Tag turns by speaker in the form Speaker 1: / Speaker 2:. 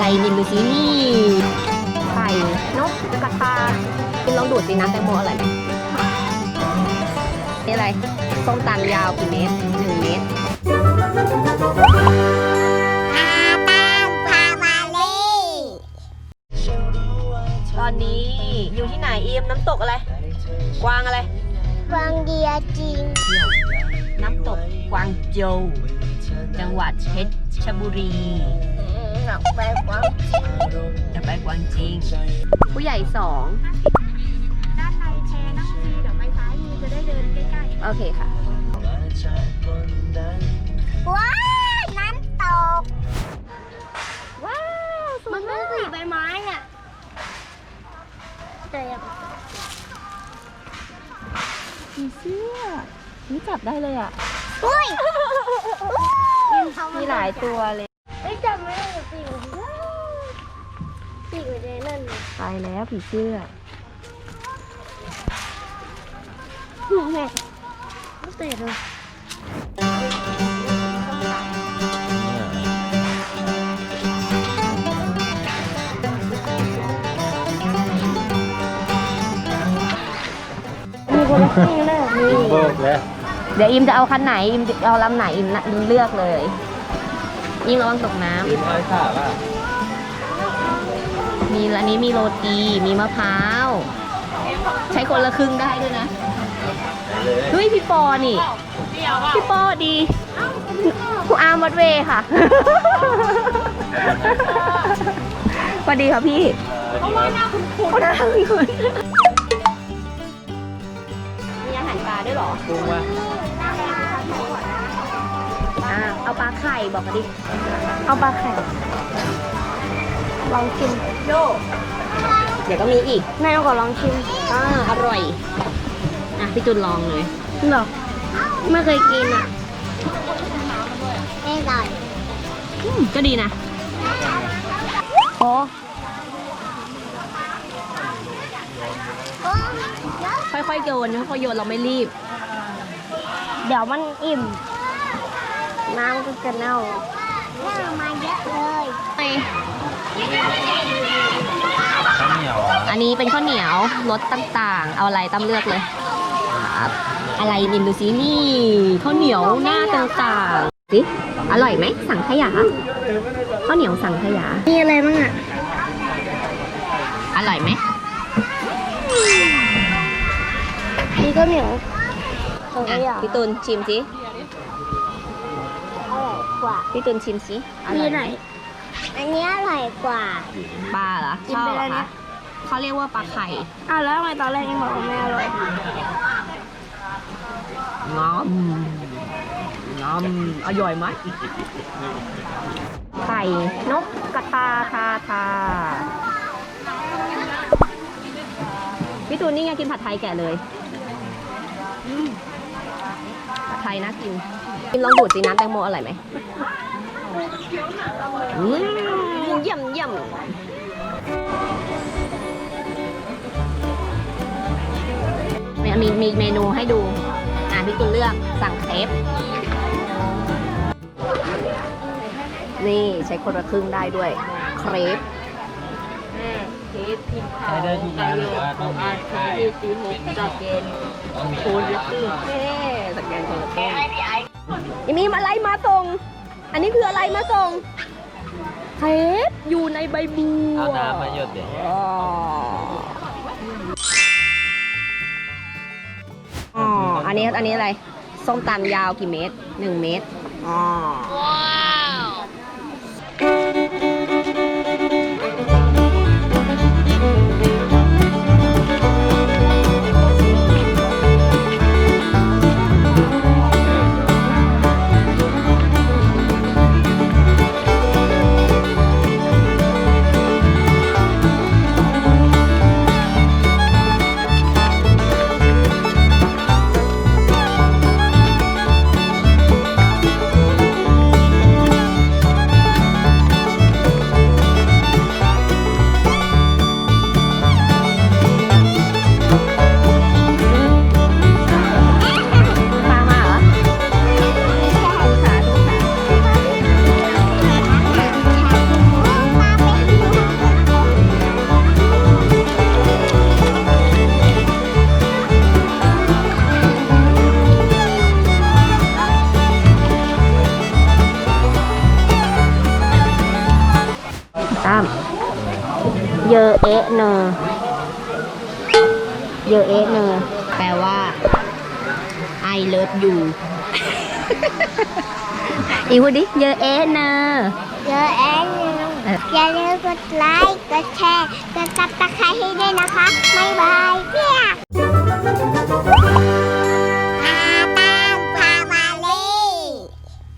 Speaker 1: อะไรกินดูสินี่ไข่นกกระทากินลองดูดสิน้ำแตงโมอร่อยไหมนี่อะไรส้มตำยาวกี่เมตร1 เมตรตอนนี้อยู่ที่ไหนอิมน้ำตกอะไรกวางอะไร
Speaker 2: กวางเดียจริง
Speaker 1: น้ำตกกวางโจวจังหวัดเพชรบุรี
Speaker 2: อยากไปกวางจริง
Speaker 1: จะไปกวางจริงผู้ใหญ่2
Speaker 2: ด้านในแพนั่งฟรีเดี๋ยวไปซ้ายมือจะได้เดินใกล้
Speaker 1: ๆโอเคค่ะ
Speaker 2: ว้าวน้ำตกว้าวมันไม่สีใบไม้อ่ะแต่ยัง
Speaker 1: ผีเสื้อนี่จับได้เลยอ่ะ
Speaker 2: อุ้ย
Speaker 1: มีหลายตัวเลย
Speaker 2: ไม่จับไม่ได้ปีกปีกอยู่ในนั่น
Speaker 1: ตายแล้วผีเสื้อ
Speaker 2: แม่ไม่เตะเลยมีคนละครึ่งเลยมี
Speaker 3: โบกแล้ว
Speaker 1: เดี๋ยวอิมจะเอาคันไหนอิมจะเอาลำไหนอิมเลือกเลยยิ่งระวังตกน้ำ
Speaker 3: อิมเอาขาป่ะ
Speaker 1: มีอันนี้มีโรตีมีมะพร้าวใช้คนละครึ่งได้ด้วยนะเฮ้ยพี่ปอนี่พี่ปอดีคุณอาร์มวัดเวค่ะสวัสดีค่ะพี่เพราะว่าหน้าคุณมีอาหารปลาด้วยหรอ
Speaker 3: กุ้งวะ
Speaker 1: เอาปลาไข่บอกมาดิ
Speaker 2: เอาปลาไข่ลองชิม
Speaker 1: โยเดี๋ยวก็มีอีก
Speaker 2: แม่ก็ลองชิม
Speaker 1: อร่อยพี่จุนลองเลย
Speaker 2: หรอไม่เคยกินอ่ะไม่อร่อย
Speaker 1: ก็ดีนะ
Speaker 2: โอ้
Speaker 1: ค่อยๆโยนค่อยๆโยนเราไม่รีบ
Speaker 2: เดี๋ยวมันอิ่มน้ำก็จะเน่ามาเยอะเลย
Speaker 3: ข้าวเหนียว
Speaker 1: อันนี้เป็นข้าวเหนียวรสต่างๆเอาอะไรตั้มเลือกเลยครับอะไรกินดูสินี่ข้าวเหนียวหน้าต่างๆสิอร่อยไหมสังขยาข้าวเหนียวสังขยา
Speaker 2: มีอะไรบ้างอ่ะ
Speaker 1: อร่อยไหม
Speaker 2: มีข้าวเหนียวสังขยา
Speaker 1: พี่ตุลชิมสิ
Speaker 2: อร่อยกว่า
Speaker 1: พี่ตุลชิมสิ
Speaker 2: มีไหนอันนี้อร่อยกว่า
Speaker 1: ปลาเหรอชอบเหรอคะเขาเรียกว่าปลาไข่
Speaker 2: แล้วทำไมตอนแรกยังบอกว่าไม่อร่อย
Speaker 1: งอมอร่อยไหมไข่นกกระทาพี่ตูนนี่ไงกินผัดไทยแกะเลยผัดไทยน่ากินลองดูดสิน้ำแตงโมอร่อยไหมเยี่ยมมีเมนูให้ดูพี่ตูนเลือกสั่งเครปนี่ใช้คนละครึ่งได้ด้วยเครป
Speaker 3: ใช้ได้ทุกร้านหรือว่าต้องมีไข่
Speaker 1: จะเกณฑ์คูณละครึ่งสแกนคนละครึ่งยังมีอะไรมาส่งอันนี้คืออะไรมาส่งเครปอยู่ในใบบัว
Speaker 3: เอาน้ำมาหยดเดี๋ยว
Speaker 1: อันนี้อะไรส้มตำยาวกี่เมตร1 เมตรว้าวเอะเนอเยอะเอะเนอแปลว่า I love you อีกพูดดิเยอะเอะเนอ
Speaker 2: เยอะแอนอย่าลืมกดไลค์กดแชร์กดซับสไครต์ให้ด้วยนะคะบ๊ายบายเพี้ย